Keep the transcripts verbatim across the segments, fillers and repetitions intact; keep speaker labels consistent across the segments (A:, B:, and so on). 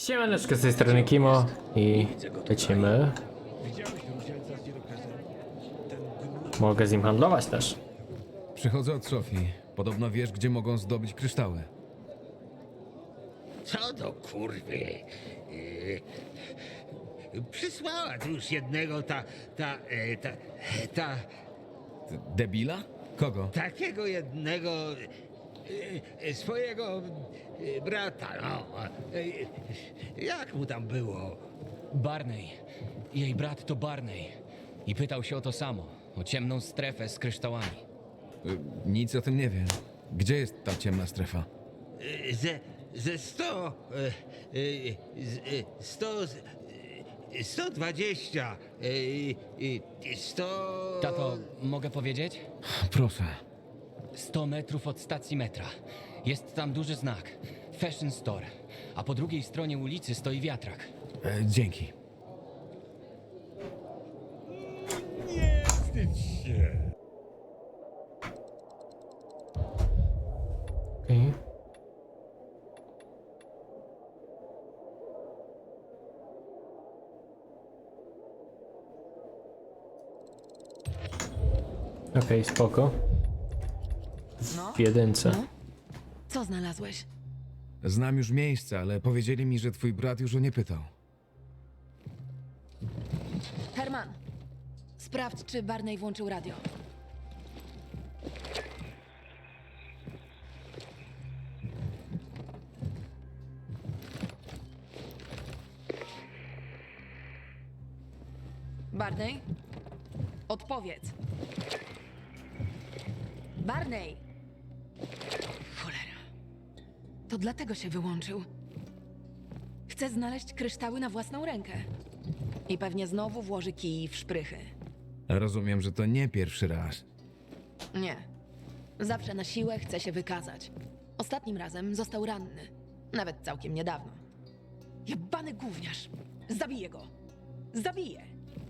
A: Siemaneczko, z tej strony Kimo i lecimy. Mogę z nim handlować też.
B: Przychodzę od Sofii. Podobno wiesz, gdzie mogą zdobyć kryształy.
C: Co do kurwy? Yy, przysłała tu już jednego ta, ta, e, ta, ta,
B: Ty debila? Kogo?
C: takiego jednego e, swojego e, brata, no. E, jak mu tam było?
D: Barney. Jej brat to Barney. I pytał się o to samo. O ciemną strefę z kryształami.
B: Y, Nic o tym nie wiem. Gdzie jest ta ciemna strefa?
C: E, Ze, ze sto, e, e, z, e, sto, e, sto dwadzieścia, e, e, sto...
D: Tato, mogę powiedzieć?
B: Proszę.
D: sto metrów od stacji metra. Jest tam duży znak. Fashion Store. A po drugiej stronie ulicy stoi wiatrak.
B: E, dzięki.
A: Okej. Okej, spoko. W jedynce.
E: No? Co znalazłeś?
B: Znam już miejsce, ale powiedzieli mi, że twój brat już o nie pytał.
E: Herman, sprawdź, czy Barney włączył radio. Barney? Odpowiedz. Barney! Cholera. To dlatego się wyłączył. Chce znaleźć kryształy na własną rękę. I pewnie znowu włoży kij w szprychy.
B: Rozumiem, że to nie pierwszy raz.
E: Nie. Zawsze na siłę chce się wykazać. Ostatnim razem został ranny. Nawet całkiem niedawno. Jebany gówniarz! Zabiję go! Zabiję!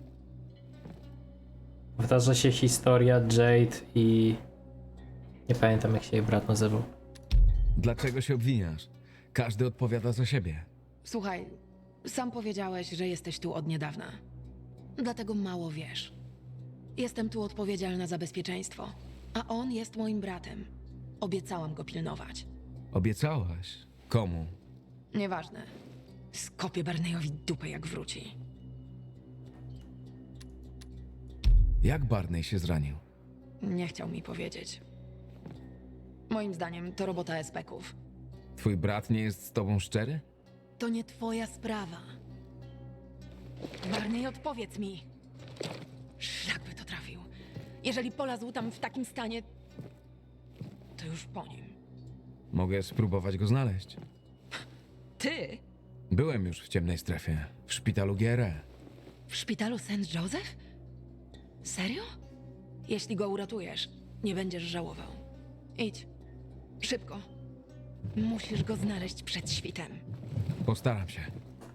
A: Powtarza się historia Jade i... Nie pamiętam, jak się jej brat nazywał.
B: Dlaczego się obwiniasz? Każdy odpowiada za siebie.
E: Słuchaj, sam powiedziałeś, że jesteś tu od niedawna. Dlatego mało wiesz. Jestem tu odpowiedzialna za bezpieczeństwo, a on jest moim bratem. Obiecałam go pilnować.
B: Obiecałaś. Komu?
E: Nieważne. Skopię Barneyowi dupę, jak wróci.
B: Jak Barney się zranił?
E: Nie chciał mi powiedzieć. Moim zdaniem to robota espeków.
B: Twój brat nie jest z tobą szczery?
E: To nie twoja sprawa. Barney, odpowiedz mi. Szlak by to trafił. Jeżeli polazł tam w takim stanie, to już po nim.
B: Mogę spróbować go znaleźć.
E: Ty?
B: Byłem już w ciemnej strefie, w szpitalu G R E.
E: W szpitalu Saint Joseph? Serio? Jeśli go uratujesz, nie będziesz żałował. Idź. Szybko. Musisz go znaleźć przed świtem.
B: Postaram się.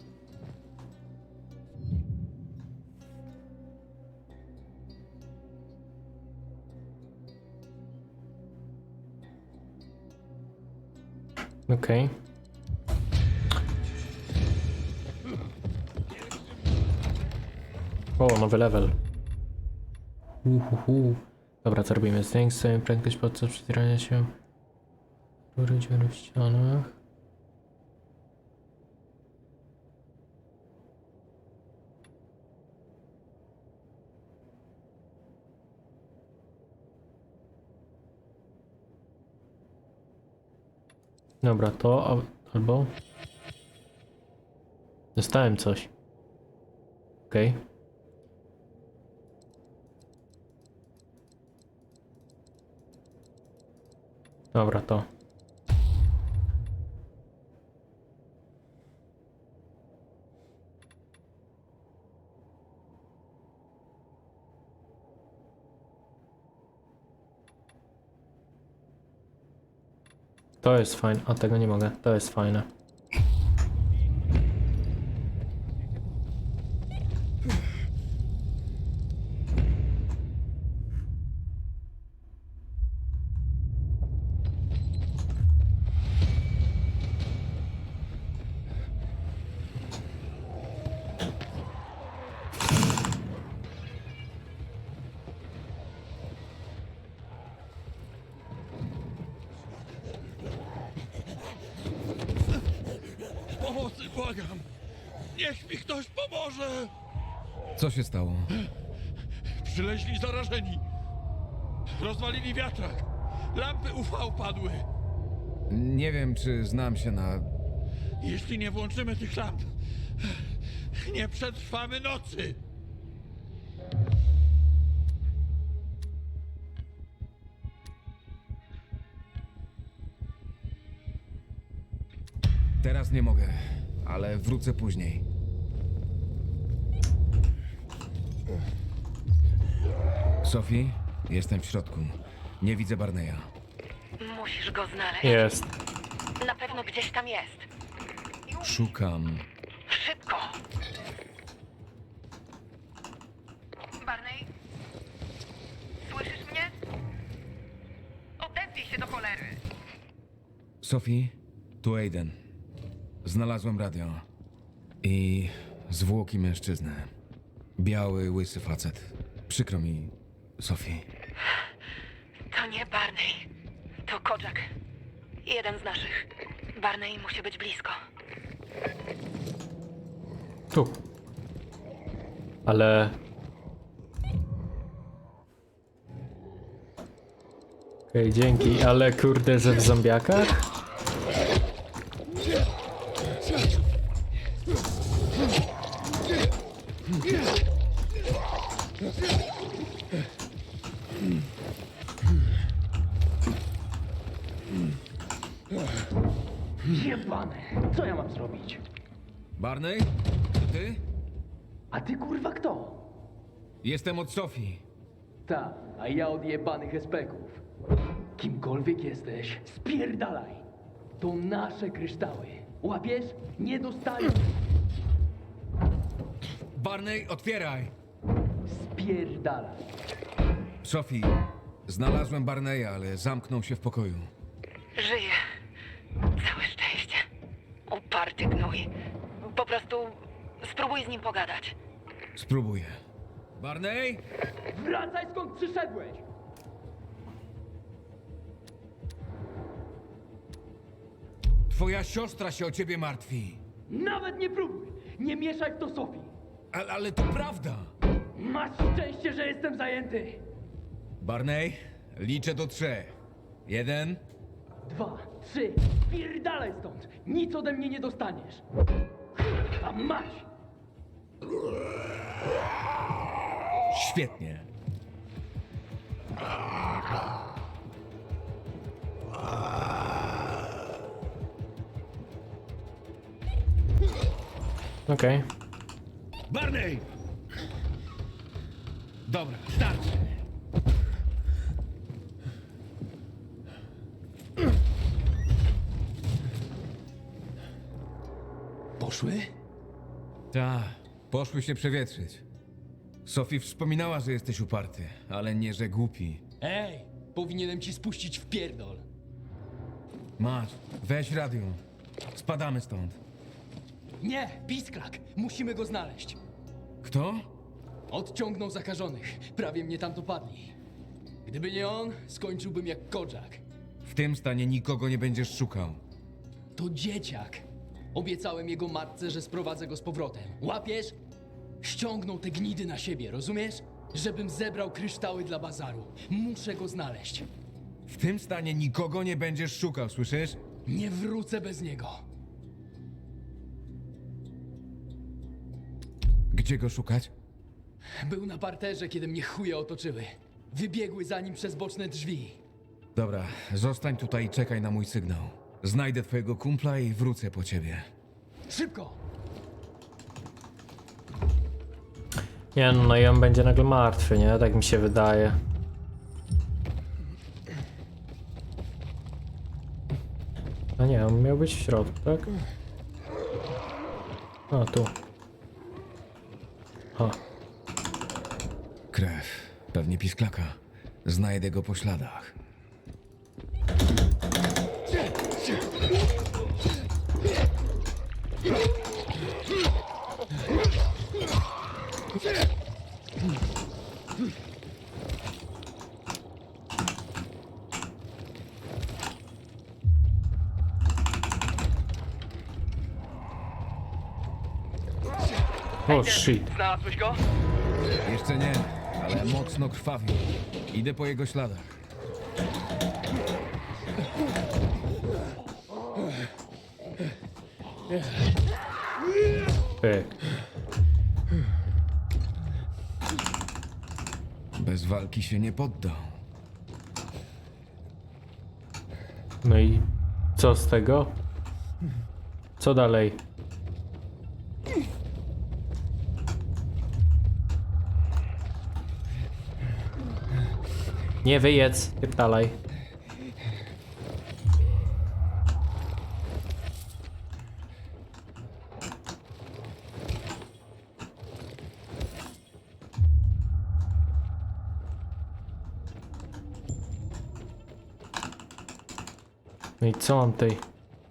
A: Okej. O, nowy level. Uhuhu. Dobra, co robimy? Zwiększ sobie prędkość podczas przedzierania się. Rury, dziury w ścianach. Dobra, to al- albo... Dostałem coś. Okej. Dobra, to. To jest fajne. A tego nie mogę. To jest fajne.
F: Pomocy, błagam! Niech mi ktoś pomoże!
B: Co się stało?
F: Przyleźli zarażeni. Rozwalili wiatrak. Lampy U V padły.
B: Nie wiem, czy znam się na...
F: Jeśli nie włączymy tych lamp, nie przetrwamy nocy.
B: Teraz nie mogę, ale wrócę później. Sophie, jestem w środku. Nie widzę Barneya.
E: Musisz go znaleźć.
A: Jest.
E: Na pewno gdzieś tam jest.
B: Szukam.
E: Szybko! Barney? Słyszysz mnie? Odezwij się do cholery!
B: Sophie, tu Aiden. Znalazłem radio. I zwłoki mężczyzny. Biały, łysy facet. Przykro mi, Sophie.
E: To nie Barney. To Kojak. Jeden z naszych. Barney musi być blisko.
A: Tu. Ale... Okej, dzięki, ale kurde, że w zombiakach?
G: Jebane, co ja mam zrobić?
B: Barney? To ty?
G: A ty kurwa kto?
B: Jestem od Sophie.
G: Ta, a ja od jebanych espeków. Kimkolwiek jesteś, spierdalaj. To nasze kryształy. Łapiesz? Nie dostaniesz.
B: Barney, otwieraj!
G: Spierdalaj.
B: Sophie, znalazłem Barneya, ale zamknął się w pokoju.
E: Żyje. Całe szczęście. Uparty gnój. Po prostu spróbuj z nim pogadać.
B: Spróbuję. Barney?
G: Wracaj skąd przyszedłeś!
B: Twoja siostra się o ciebie martwi.
G: Nawet nie próbuj! Nie mieszaj w to Sofii!
B: Ale, ale to prawda.
G: Masz szczęście, że jestem zajęty!
B: Barney, liczę do trzech. Jeden.
G: Dwa, trzy, spierdalaj stąd! Nic ode mnie nie dostaniesz! A mać!
B: Świetnie.
A: Okej.
B: Barney! Dobra, starczy.
G: Poszły?
B: Ta, poszły się przewietrzyć. Sophie wspominała, że jesteś uparty, ale nie, że głupi.
D: Ej, powinienem ci spuścić w pierdol.
B: Masz, weź radio. Spadamy stąd.
D: Nie, pisklak, musimy go znaleźć.
B: Kto?
D: Odciągnął zakażonych, prawie mnie tam dopadli. Gdyby nie on, skończyłbym jak Kojak.
B: W tym stanie nikogo nie będziesz szukał.
D: To dzieciak. Obiecałem jego matce, że sprowadzę go z powrotem. Łapiesz? Ściągnął te gnidy na siebie, rozumiesz? Żebym zebrał kryształy dla bazaru. Muszę go znaleźć.
B: W tym stanie nikogo nie będziesz szukał, słyszysz?
D: Nie wrócę bez niego.
B: Gdzie go szukać?
D: Był na parterze, kiedy mnie chuje otoczyły. Wybiegły za nim przez boczne drzwi.
B: Dobra, zostań tutaj i czekaj na mój sygnał. Znajdę twojego kumpla i wrócę po ciebie.
D: Szybko!
A: Nie no, no i on będzie nagle martwy, nie? Tak mi się wydaje. No nie, on miał być w środku, tak? A, tu. A,
B: Krew. Pewnie pisklaka. Znajdę go po śladach.
A: O, shit.
G: Znalazłeś go?
B: Jeszcze nie, ale mocno krwawi. Idę po jego śladach.
A: Pyk.
B: Bez walki się nie poddał.
A: No i co z tego? Co dalej? Nie wyjedz, dalej. No i co mam tutaj?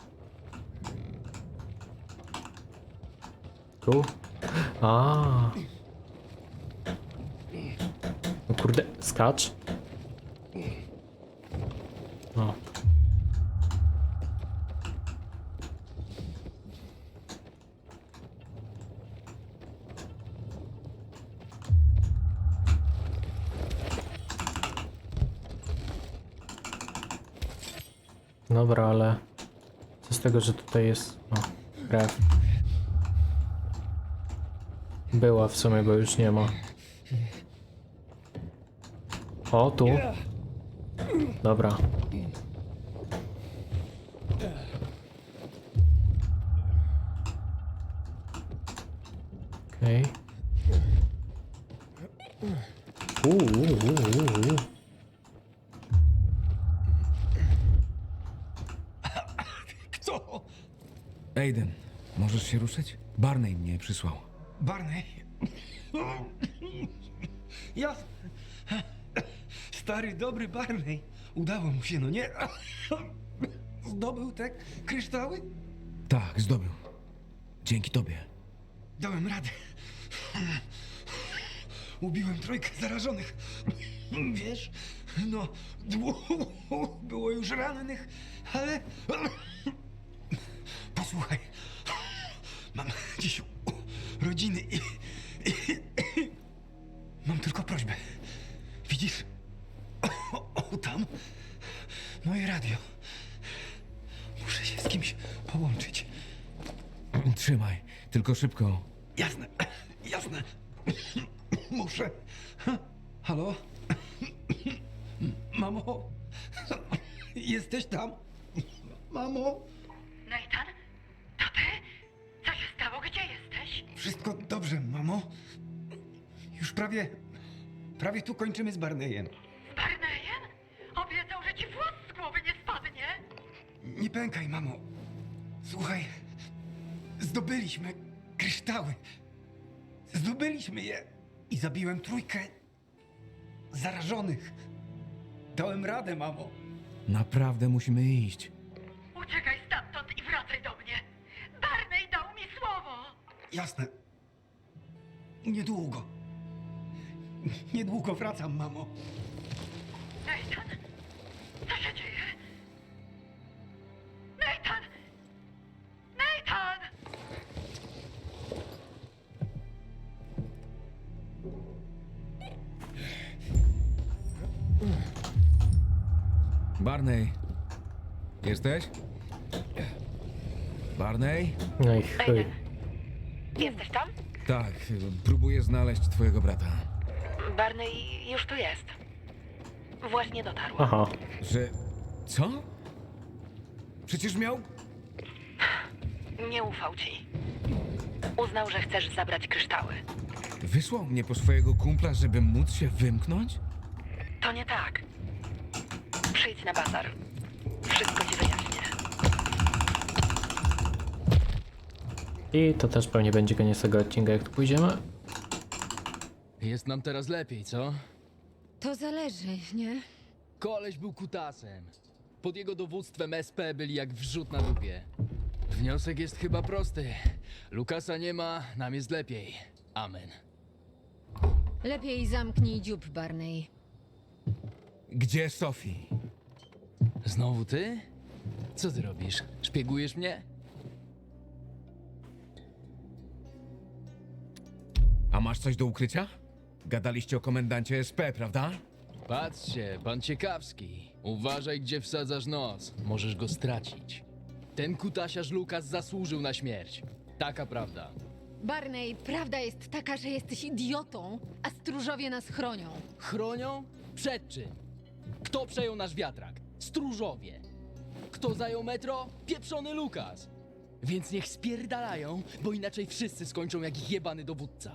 A: Tu? A. No kurde, skacz. No. Dobra, ale co z tego, że tutaj jest, o, krew. Była w sumie, bo już nie ma. O, tu. Dobra. Okej. Okay. Uuu, uuu, uuu.
H: Kto?
B: Aiden, możesz się ruszyć? Barney mnie przysłał.
H: Barney? Ja... Stary, dobry Barney. Udało mu się, no nie? Zdobył te kryształy?
B: Tak, zdobył. Dzięki tobie.
H: Dałem radę. Ubiłem trójkę zarażonych. Wiesz, no, dwóch było już rannych, ale... Posłuchaj, mam dziś rodziny i, i, i... Mam tylko prośbę. Widzisz? O, o, tam moje radio. Muszę się z kimś połączyć.
B: Trzymaj, tylko szybko.
H: Jasne, jasne. Muszę. Halo? Mamo? Jesteś tam? Mamo?
I: Nathan? To ty? Co się stało? Gdzie jesteś?
H: Wszystko dobrze, mamo? Już prawie... Prawie tu kończymy z Barneyem.
I: Z Barneyem? Obiecał, że ci włos z głowy nie spadnie.
H: Nie pękaj, mamo. Słuchaj, zdobyliśmy kryształy. Zdobyliśmy je i zabiłem trójkę zarażonych. Dałem radę, mamo.
B: Naprawdę musimy iść.
I: Uciekaj stamtąd i wracaj do mnie. Barney dał mi słowo.
H: Jasne. Niedługo. Niedługo wracam, mamo.
I: Nathan? Co się dzieje? Nathan! Nathan!
B: Barney. Jesteś? Barney?
A: No i chuj.
I: Aiden. Jesteś tam?
B: Tak, próbuję znaleźć twojego brata.
I: Barney już tu jest. Właśnie dotarł.
A: Aha.
B: Że... co? Przecież miał...
I: Nie ufał ci. Uznał, że chcesz zabrać kryształy.
B: Wysłał mnie po swojego kumpla, żeby móc się wymknąć?
I: To nie tak. Przyjdź na bazar. Wszystko ci wyjaśnię.
A: I to też pewnie będzie koniec tego odcinka, jak tu pójdziemy.
D: Jest nam teraz lepiej, co?
J: To zależy, nie?
D: Koleś był kutasem. Pod jego dowództwem S P byli jak wrzut na dupie. Wniosek jest chyba prosty. Lukasa nie ma, nam jest lepiej. Amen.
J: Lepiej zamknij dziób, Barney.
B: Gdzie Sophie?
D: Znowu ty? Co ty robisz? Szpiegujesz mnie?
B: A masz coś do ukrycia? Gadaliście o komendancie S P, prawda?
D: Patrzcie, pan ciekawski. Uważaj, gdzie wsadzasz nos. Możesz go stracić. Ten kutasiarz Lukas zasłużył na śmierć. Taka prawda.
J: Barney, prawda jest taka, że jesteś idiotą, a stróżowie nas chronią.
D: Chronią? Przed czym? Kto przejął nasz wiatrak? Stróżowie. Kto zajął metro? Pieprzony Lukas. Więc niech spierdalają, bo inaczej wszyscy skończą jak ich jebany dowódca.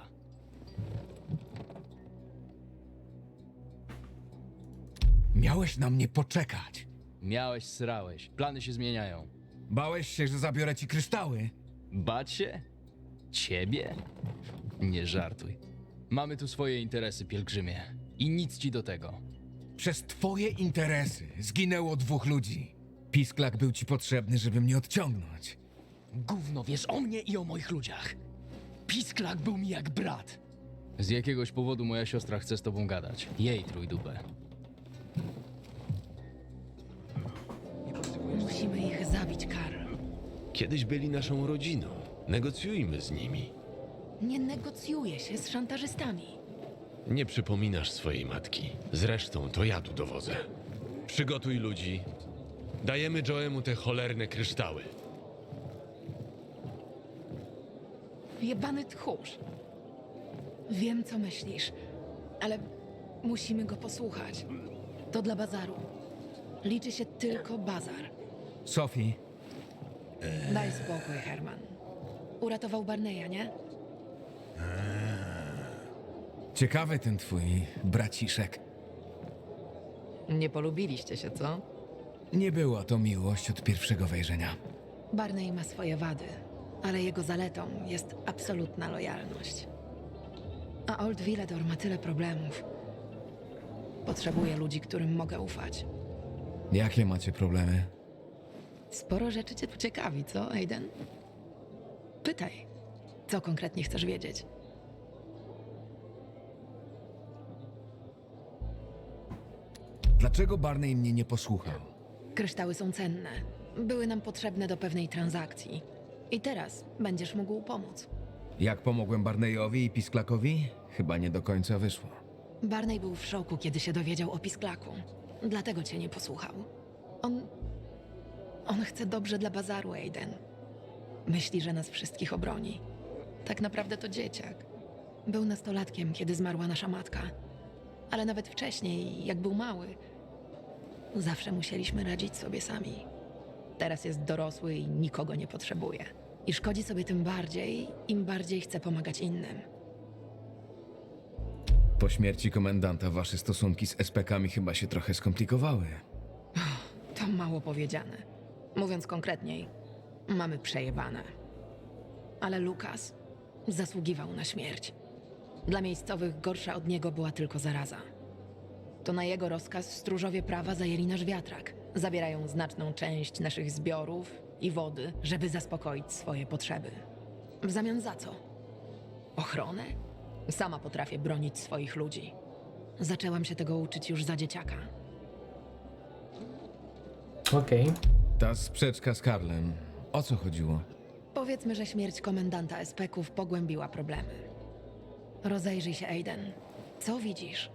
B: Miałeś na mnie poczekać.
D: Miałeś, srałeś. Plany się zmieniają.
B: Bałeś się, że zabiorę ci kryształy?
D: Bać się? Ciebie? Nie żartuj. Mamy tu swoje interesy, pielgrzymie. I nic ci do tego.
B: Przez twoje interesy zginęło dwóch ludzi. Pisklak był ci potrzebny, żeby mnie odciągnąć.
D: Gówno wiesz o mnie i o moich ludziach. Pisklak był mi jak brat. Z jakiegoś powodu moja siostra chce z tobą gadać. Jej trójdupę.
E: Musimy ich zabić, Karl.
K: Kiedyś byli naszą rodziną. Negocjujmy z nimi.
E: Nie negocjuje się z szantażystami.
K: Nie przypominasz swojej matki. Zresztą to ja tu dowodzę. Przygotuj ludzi. Dajemy Joemu te cholerne kryształy.
E: Jebany tchórz. Wiem, co myślisz, ale musimy go posłuchać. To dla bazaru. Liczy się tylko bazar.
B: Sophie,
E: Daj spokój, Herman. Uratował Barneya, nie?
B: ciekawy ten twój braciszek.
E: Nie polubiliście się, co?
B: Nie była to miłość od pierwszego wejrzenia.
E: Barney ma swoje wady, ale jego zaletą jest absolutna lojalność. A Old Villador ma tyle problemów. Potrzebuję ludzi, którym mogę ufać.
B: Jakie macie problemy?
E: Sporo rzeczy cię tu ciekawi, co, Aiden? Pytaj, co konkretnie chcesz wiedzieć?
B: Dlaczego Barney mnie nie posłuchał?
E: Kryształy są cenne. Były nam potrzebne do pewnej transakcji. I teraz będziesz mógł pomóc.
B: Jak pomogłem Barneyowi i Pisklakowi? Chyba nie do końca wyszło.
E: Barney był w szoku, kiedy się dowiedział o Pisklaku. Dlatego cię nie posłuchał. On... On chce dobrze dla bazaru, Aiden. Myśli, że nas wszystkich obroni. Tak naprawdę to dzieciak. Był nastolatkiem, kiedy zmarła nasza matka. Ale nawet wcześniej, jak był mały, zawsze musieliśmy radzić sobie sami. Teraz jest dorosły i nikogo nie potrzebuje. I szkodzi sobie tym bardziej, im bardziej chce pomagać innym.
B: Po śmierci komendanta wasze stosunki z S P kami chyba się trochę skomplikowały.
E: To mało powiedziane. Mówiąc konkretniej, mamy przejebane. Ale Lukas zasługiwał na śmierć. Dla miejscowych gorsza od niego była tylko zaraza. To na jego rozkaz stróżowie prawa zajęli nasz wiatrak. Zabierają znaczną część naszych zbiorów i wody, żeby zaspokoić swoje potrzeby. W zamian za co? Ochronę? Sama potrafię bronić swoich ludzi. Zaczęłam się tego uczyć już za dzieciaka.
A: Okej.
B: Ta sprzeczka z Karlem. O co chodziło?
E: Powiedzmy, że śmierć komendanta S P ków pogłębiła problemy. Rozejrzyj się, Aiden. Co widzisz?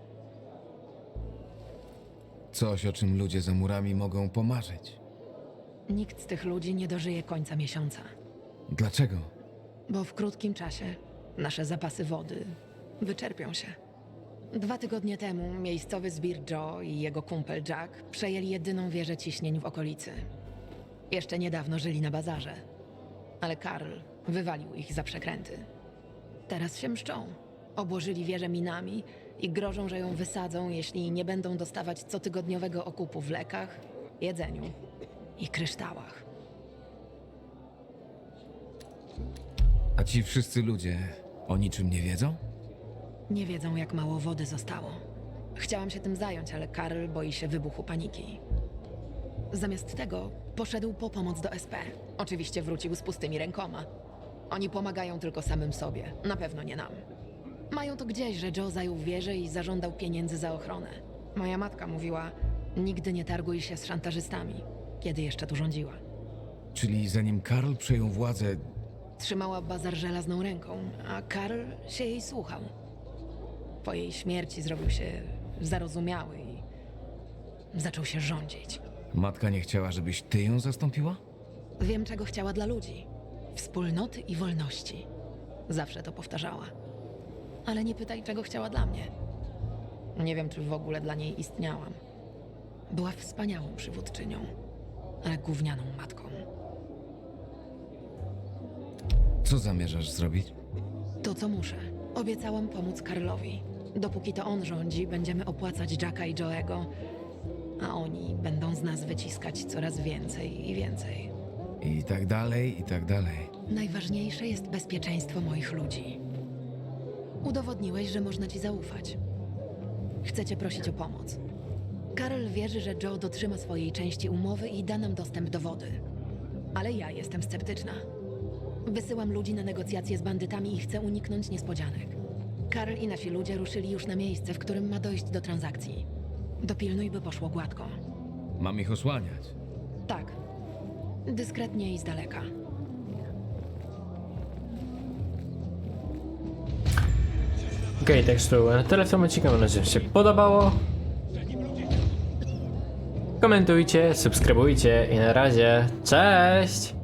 B: Coś, o czym ludzie za murami mogą pomarzyć.
E: Nikt z tych ludzi nie dożyje końca miesiąca,
B: Dlaczego?
E: bo w krótkim czasie nasze zapasy wody wyczerpią się. Dwa tygodnie temu miejscowy zbir Joe i jego kumpel Jack przejęli jedyną wieżę ciśnień w okolicy. Jeszcze niedawno żyli na bazarze, ale Karl wywalił ich za przekręty. Teraz się mszczą. Obłożyli wieżę minami i grożą, że ją wysadzą, jeśli nie będą dostawać cotygodniowego okupu w lekach, jedzeniu i kryształach.
B: A ci wszyscy ludzie o niczym nie wiedzą?
E: Nie wiedzą, jak mało wody zostało. Chciałam się tym zająć, ale Karl boi się wybuchu paniki. Zamiast tego poszedł po pomoc do S P. Oczywiście wrócił z pustymi rękoma. Oni pomagają tylko samym sobie, na pewno nie nam. Mają to gdzieś, że Joe zajął wieżę i zażądał pieniędzy za ochronę. Moja matka mówiła, nigdy nie targuj się z szantażystami, kiedy jeszcze tu rządziła.
B: Czyli zanim Karl przejął władzę,
E: Trzymała bazar żelazną ręką, a Karl się jej słuchał. Po jej śmierci zrobił się zarozumiały i zaczął się rządzić.
B: Matka nie chciała, żebyś ty ją zastąpiła?
E: Wiem, czego chciała dla ludzi. Wspólnoty i wolności. Zawsze to powtarzała. Ale nie pytaj, czego chciała dla mnie. Nie wiem, czy w ogóle dla niej istniałam. Była wspaniałą przywódczynią, ale gównianą matką.
B: Co zamierzasz zrobić?
E: To, co muszę. Obiecałam pomóc Karlowi. Dopóki to on rządzi, będziemy opłacać Jacka i Joego, a oni będą z nas wyciskać coraz więcej i więcej.
B: I tak dalej, i tak dalej.
E: Najważniejsze jest bezpieczeństwo moich ludzi. Udowodniłeś, że można ci zaufać. Chcę cię prosić o pomoc. Karl wierzy, że Joe dotrzyma swojej części umowy i da nam dostęp do wody. Ale ja jestem sceptyczna. Wysyłam ludzi na negocjacje z bandytami i chcę uniknąć niespodzianek. Karl i nasi ludzie ruszyli już na miejsce, w którym ma dojść do transakcji. Dopilnuj, by poszło gładko.
B: Mam ich osłaniać.
E: Tak. Dyskretnie i z daleka.
A: Okej, okay, tak to było na tyle w tym odcinku. Mam nadzieję, że się podobało. Komentujcie, subskrybujcie i na razie. Cześć!